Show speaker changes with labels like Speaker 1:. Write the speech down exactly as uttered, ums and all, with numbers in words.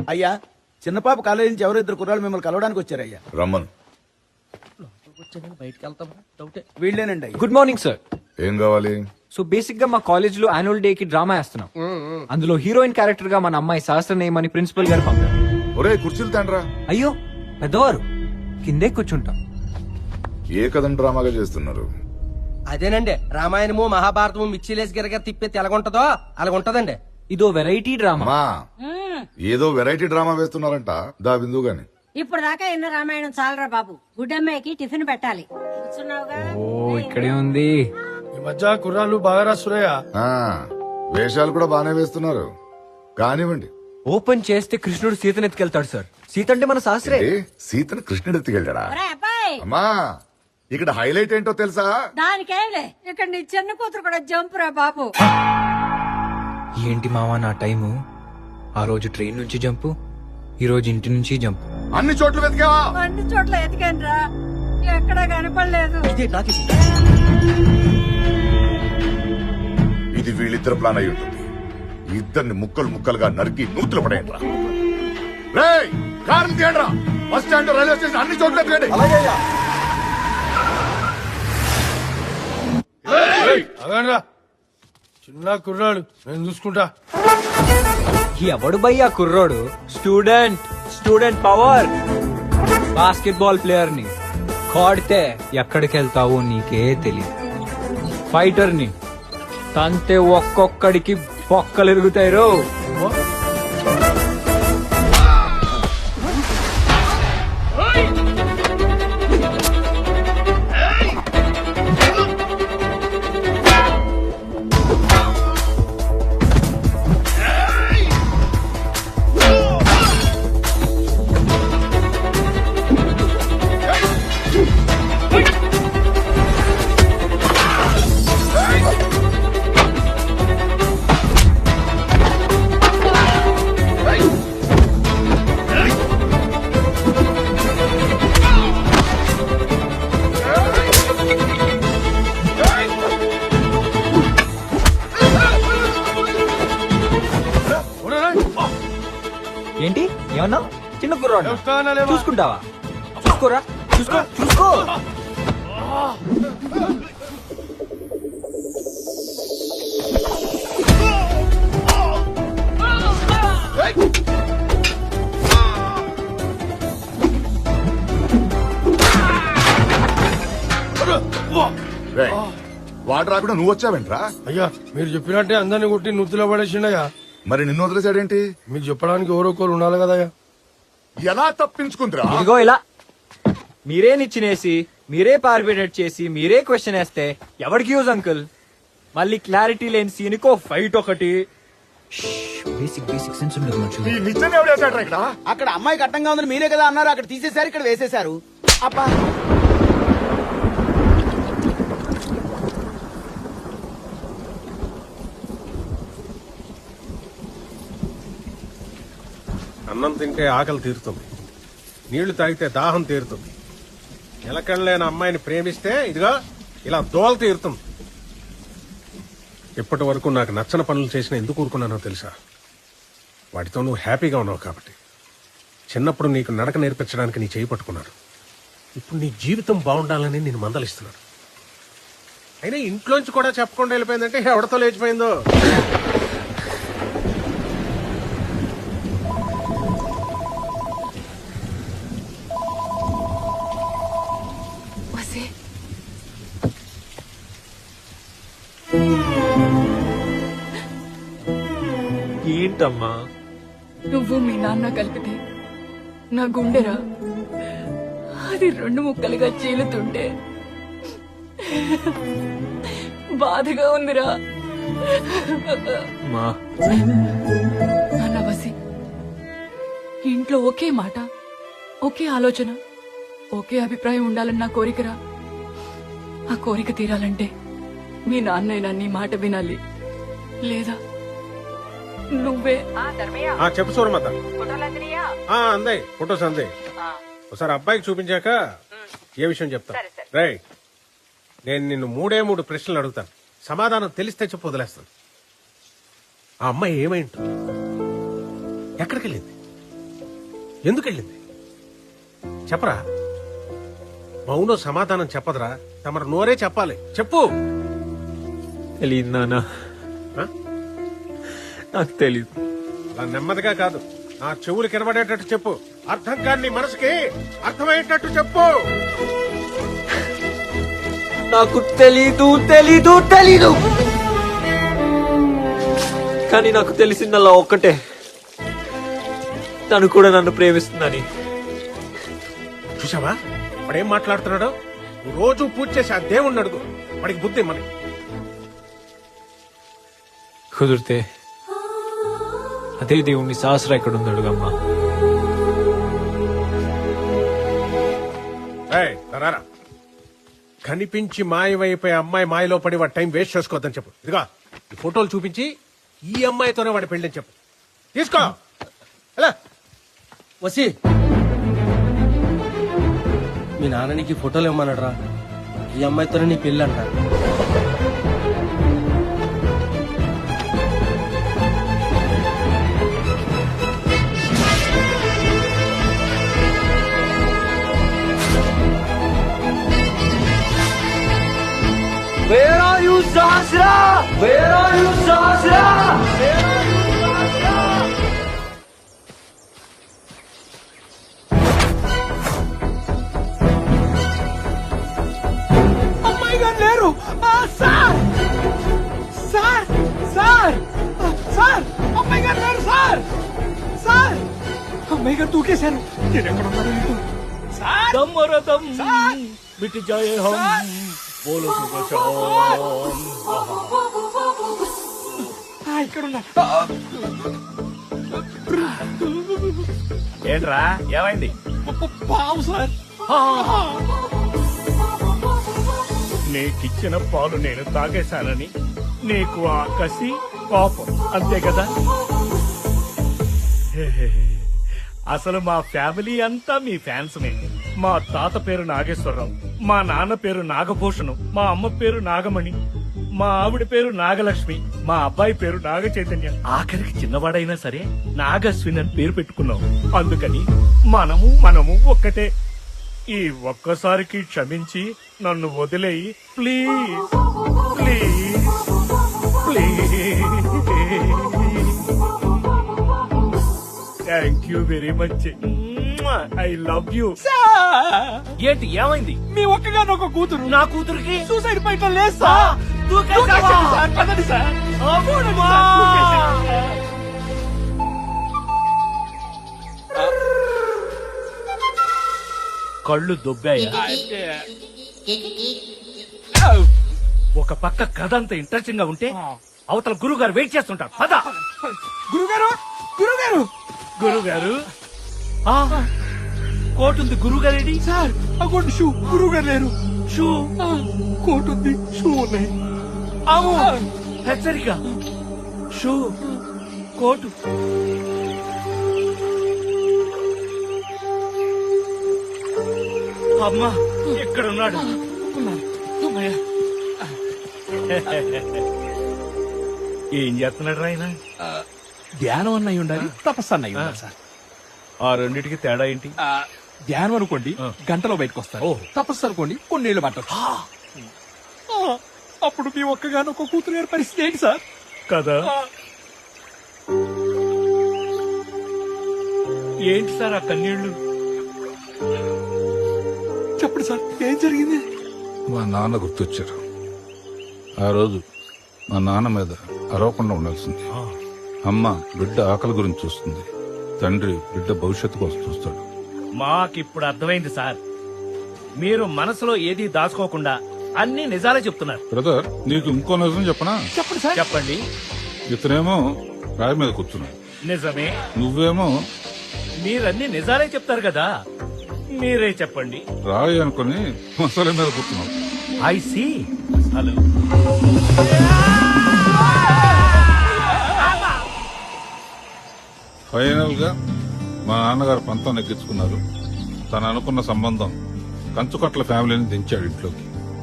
Speaker 1: అయ్యా చిన్నపాప కాలేజీ నుంచి ఎవరో ఇద్దరు కుర్రాళ్ళు మిమ్మల్ని కలవడానికి వచ్చారయ్యా.
Speaker 2: రమ్మను.
Speaker 3: బయటకి వెళ్తాం డౌటే.
Speaker 1: వీళ్ళేనండి అయ్యా.
Speaker 4: Good morning sir.
Speaker 2: ఏం కావాలి?
Speaker 4: సో బేసిక్ గా మా కాలేజ్ లో యాన్యువల్ డే కి డ్రామా వేస్తున్నాం. అందులో హీరోయిన్ క్యారెక్టర్ గా మన అమ్మాయి సహస్రనేయం అని ప్రిన్సిపల్ గారు పంపారు.
Speaker 2: ఒరే కుర్చీలు తండ్రా.
Speaker 4: అయ్యో పెద్దవారు, కిందే కూర్చుంటాం.
Speaker 2: ఏ కథను డ్రామాగా చేస్తున్నారు?
Speaker 3: అదేనండి, రామాయణము మహాభారతము మిక్సీలేసి గిరగర తిప్పేది ఎలాగుంటదో అలాగుంటదండి.
Speaker 4: ఇదో వెరైటీ డ్రామా.
Speaker 2: అమ్మా ఏదో వెరైటీ డ్రామా వేస్తున్నారంట. దా బిందు గాని.
Speaker 5: ఇప్పుడు దాకా ఎన్న రామాయణం చాలరా బాబు. గుడ్డమ్మాయికి టిఫిన్ పెట్టాలి. కూర్చున్నావుగా?
Speaker 4: ఓ ఇక్కడే ఉంది.
Speaker 6: ఈ మధ్య కుర్రాళ్ళు బాగా రాస్తున్నాయా?
Speaker 2: ఆ, వేషాలు కూడా బానే వేస్తున్నారు. కానివ్వండి.
Speaker 4: ఓపెన్ చేస్తే కృష్ణుడు సీతను ఎత్తుకెళ్తాడు సార్. సీత అంటే మన శాస్త్రే.
Speaker 2: ఏ, సీతను కృష్ణుడు ఎత్తుకెళ్ళాడా?
Speaker 5: ఒరేయ్ అబ్బాయి,
Speaker 2: అమ్మా ఇక్కడ హైలైట్ ఏంటో తెలుసా?
Speaker 5: దానికేంలే, ఇక్కడ నీ చిన్న కూతురు కూడా జంప్ రా బాబు.
Speaker 4: ఏంటి మావా నా టైము? ఆ రోజు ట్రైన్ నుంచి జంపు, ఈ రోజు ఇంటి నుంచి జంపు.
Speaker 2: అన్ని చోట్ల వెతికావా?
Speaker 5: అన్ని చోట్ల ఎతికాను రా, ఎక్కడా కనపడలేదు.
Speaker 3: ఇదే నాకు
Speaker 2: ఇది వీళ్ళిద్దరు ప్లాన్ అయి ఉంటుంది. ఇద్దరిని ముక్కలు ముక్కలుగా నరికి నూతులు పడేయండిరా. రేయ్ కారు తీయండిరా. బస్ స్టాండ్, రైల్వే స్టేషన్ అన్ని చోట్ల ఎత్తుకండి.
Speaker 6: అగండ్రా, చిన్న కుర్రాడు, నేను చూసుకుంటా.
Speaker 4: ఎవడు భయ్యా కుర్రోడు? Student, student power. Basketball player ని కొడితే ఎక్కడికి వెళ్తావో నీకే తెలియదు. ఫైటర్ ని తంతే ఒక్కొక్కడికి పొక్కలు ఎరుగుతాయి రో. ఏంటి ఏమన్నా? చిన్న కుర్రాడు చూసుకుంటావా? చూసుకోరా, చూసుకో చూసుకో.
Speaker 2: రేయ్, వాడు రాకుండా నువ్వు వచ్చావేంట్రా?
Speaker 6: అయ్యా మీరు చెప్పినట్టే అందరిని కొట్టి నుత్తులో పడేసిండయ్యా.
Speaker 2: మరి నిన్ను వదిలేసాడేంటి?
Speaker 6: మీకు చెప్పడానికి ఎవరొకరు ఉండాలి కదయ్యా.
Speaker 2: ఎలా తప్పించుకుందిరా?
Speaker 4: ఇదిగో ఇలా మీరే నిచ్చినేసి, మీరే పార్బిడేట్ చేసి, మీరే క్వశ్చన్ వేస్తే ఎవరికి యూజ్ అంకుల్? మళ్ళీ క్లారిటీ లేని సీన్కో ఫైట్ ఒకటి. బేసిక్ బేసిక్ సెన్స్ ఉండదు మనుషులు.
Speaker 2: ఈ నిజం ఎవడు వేసాడ్రా ఇక్కడ?
Speaker 1: అక్కడ అమ్మాయి కట్టంగా ఉందని మీరే కదా అన్నారు. అక్కడ తీసేశారు, ఇక్కడ వేసేశారు. అబ్బా
Speaker 7: అన్నం తింటే ఆకలి తీరుతుంది, నీళ్లు తాగితే దాహం తీరుతుంది. నిలకడలేని అమ్మాయిని ప్రేమిస్తే ఇదిగా ఇలా దోల తీరుతుంది. ఇప్పటి వరకు నాకు నచ్చని పనులు చేసిన ఎందుకు ఊరుకున్నానో తెలుసా? వాటితో నువ్వు హ్యాపీగా ఉన్నావు కాబట్టి. చిన్నప్పుడు నీకు నడక నేర్పించడానికి నీ చేయి పట్టుకున్నాను. ఇప్పుడు నీ జీవితం బాగుండాలని నేను మందలిస్తున్నాను. అయినా ఇంట్లోంచి కూడా చెప్పకుండా వెళ్ళిపోయిందంటే ఎవడతో లేచిపోయిందో.
Speaker 4: ఏంటమ్మా?
Speaker 8: నువ్వు మీ నాన్న కలిపితే నా గుండెరా, అది రెండు ముక్కలుగా చీలుతుంటే బాధగా ఉందిరా. నాన్న వసి, ఇంట్లో ఒకే మాట, ఒకే ఆలోచన, ఒకే అభిప్రాయం ఉండాలని నా కోరికరా. ఆ కోరిక తీరాలంటే మీ నాన్నైనా నీ మాట వినాలి, లేదా నువ్వే.
Speaker 7: చెప్పు సూరమత. అందాయి ఫొటోస్ అందాయి. ఒకసారి అబ్బాయికి చూపించాక ఏ విషయం చెప్తా. రైట్, నేను నిన్ను మూడే మూడు ప్రశ్నలు అడుగుతాను, సమాధానం తెలిస్తే చెప్పు, వదిలేస్తాను. ఆ అమ్మాయి ఏమై ఉంటుంది? ఎక్కడికి వెళ్ళింది? ఎందుకు వెళ్ళింది చెప్పరా? మౌనం సమాధానం చెప్పదురా, తమరు నోరే చెప్పాలి. చెప్పు.
Speaker 4: తెలియదు నాన్న,
Speaker 7: ఆ?
Speaker 4: నాకు తెలీదు.
Speaker 7: అలా నెమ్మదిగా కాదు, నా చెవులు కనబడేటట్టు చెప్పు. అర్థం కాని నీ మనసుకి అర్థమయ్యేటట్టు చెప్పు.
Speaker 4: నాకు తెలీదు తెలీదు తెలీదు కానీ నాకు తెలిసిందల్లా ఒక్కటే, తను కూడా నన్ను ప్రేమిస్తుందని.
Speaker 7: చూసావా వాడేం మాట్లాడుతున్నాడో? నువ్వు రోజు పూజ చేసి ఆ దేవుణ్ణి అడుగు, వాడికి బుద్ధి మరి.
Speaker 4: కుదిరితే అదే దేవుణ్ణి సహస్ర ఎక్కడ ఉంది అడుగమ్మా.
Speaker 7: ఏయ్, రారా. కనిపించి మాయమైపోయే అమ్మాయి మాయలో పడి వాడి టైం వేస్ట్ చేసుకోవద్దని చెప్పు. ఇదిగా ఈ ఫోటోలు చూపించి ఈ అమ్మాయితోనే వాడి పెళ్ళని చెప్పు. తీసుకో. ఎలా?
Speaker 3: వసి మీ నాన్న నీకు ఈ ఫోటోలు ఇవ్వమన్నాడు. ఈ అమ్మాయితోనే నీ పెళ్ళి అంట.
Speaker 4: Where are you, Sahasra? Where are you, Sahasra? Where are you, Sahasra?
Speaker 1: అమ్మాయి గారు లేరు. ఆ, సార్ సార్ సార్ ఆ, సార్ అమ్మాయి గారు లేరు సార్. సార్ అమ్మాయి గారు దూకేశారు. నేను ఎక్కడ ఉన్నాను ఏంటో. సార్
Speaker 9: దమ్మరదం
Speaker 1: సార్
Speaker 9: మిట్ జాయే హమ్
Speaker 1: సార్.
Speaker 9: బోలో సుబచాం.
Speaker 1: ఆ, ఇక్కడ ఉన్నా.
Speaker 9: ఏంట్రా ఏమైంది?
Speaker 1: పావు సార్.
Speaker 9: నీకిచ్చిన పాలు నేను తాగేశానని నీకు ఆ కసి కోపం అంతే కదా? అసలు మా ఫ్యామిలీ అంతా మీ ఫ్యాన్స్ మే. మా తాత పేరు నాగేశ్వరరావు, మా నాన్న పేరు నాగభూషణం, మా అమ్మ పేరు నాగమణి, మా ఆవిడ పేరు నాగలక్ష్మి, మా అబ్బాయి పేరు నాగ చైతన్య, ఆఖరికి చిన్నవాడైనా సరే నాగశ్విన్ అని పేరు పెట్టుకున్నాం. అందుకని మనము మనము ఒక్కటే. ఈ ఒక్కసారికి క్షమించి నన్ను వదిలేయి please please please. Thank you very much. I love you. ఏంటి ఏమైంది?
Speaker 1: మీ ఒక్కగాను ఒక కూతురు.
Speaker 9: నా కూతురికి
Speaker 1: సూసైడ్ పాయింట్ లేదు సార్. దూకేశాడు సార్. పదండి సార్. చూడండి సార్, దూకేశాడు.
Speaker 9: కళ్ళు దొబ్బాయా? ఒక పక్క కథ అంత ఇంట్రెస్టింగ్ గా ఉంటే అవతల గురువు గారు వెయిట్ చేస్తుంటారు. పద.
Speaker 1: గురుగారు గురుగారు
Speaker 9: గురుగారు కోట్ ఉంది. గురువు గారేడి?
Speaker 1: Sir అగోండి shoe. గురువు గారు లేరు.
Speaker 9: షూ
Speaker 1: కోట్ ఉంది, షూ ఉన్నాయి.
Speaker 9: అవు హెచ్చరిక. Shoe coat. అమ్మా ఎక్కడున్నాడు? ఏం చేస్తున్నాడు ఆయన?
Speaker 1: ధ్యానం అన్నయ్య ఉండాలి, తపస్సు అన్నయ్య ఉండాలి సార్.
Speaker 9: ఆ రెండిటికి తేడా ఏంటి?
Speaker 1: ఆ, ధ్యానం అనుకోండి గంటలో బయటకు వస్తారు. తపస్సు అనుకోండి కొన్నేళ్లు పట్టొచ్చు. ఆ, అప్పుడు మీ ఒక్కగాను ఒక కూతురు గారి పరిస్థితి ఏంటి సార్?
Speaker 9: కదా. ఏంటి సార్ ఆ కన్నీళ్లు?
Speaker 1: చెప్పండి సార్, ఏం జరిగింది?
Speaker 2: మా నాన్న గుర్తొచ్చారు. ఆ రోజు మా నాన్న మీద అరవకుండా ఉండాల్సింది. అమ్మ బిడ్డ ఆకలి గురించి చూస్తుంది, తండ్రి బిడ్డ భవిష్యత్తు కోసం చూస్తాడు.
Speaker 9: మాకిప్పుడు అర్థమైంది సార్. మీరు మనసులో ఏది దాచుకోకుండా అన్ని నిజాలే చెప్తున్నారు.
Speaker 2: బ్రదర్, నీకు ఇంకో నిజం చెప్పనా?
Speaker 1: చెప్పండి సార్.
Speaker 9: చెప్పండి.
Speaker 2: ఇతనేమో రాయి మీద కూర్చున్నాడు,
Speaker 9: నిజమే.
Speaker 2: నువ్వేమో
Speaker 9: మీరన్ని నిజాలే చెప్తారు కదా, మీరే చెప్పండి.
Speaker 2: రాయి అనుకుని మసాలా మీద కూర్చున్నావు.
Speaker 9: I see. హలో.
Speaker 2: ఫైనల్ గా మా నాన్నగారు పంతం నెగ్గించుకున్నారు. తను అనుకున్న సంబంధం కంచుకట్ల ఫ్యామిలీని దించాడు ఇంట్లోకి.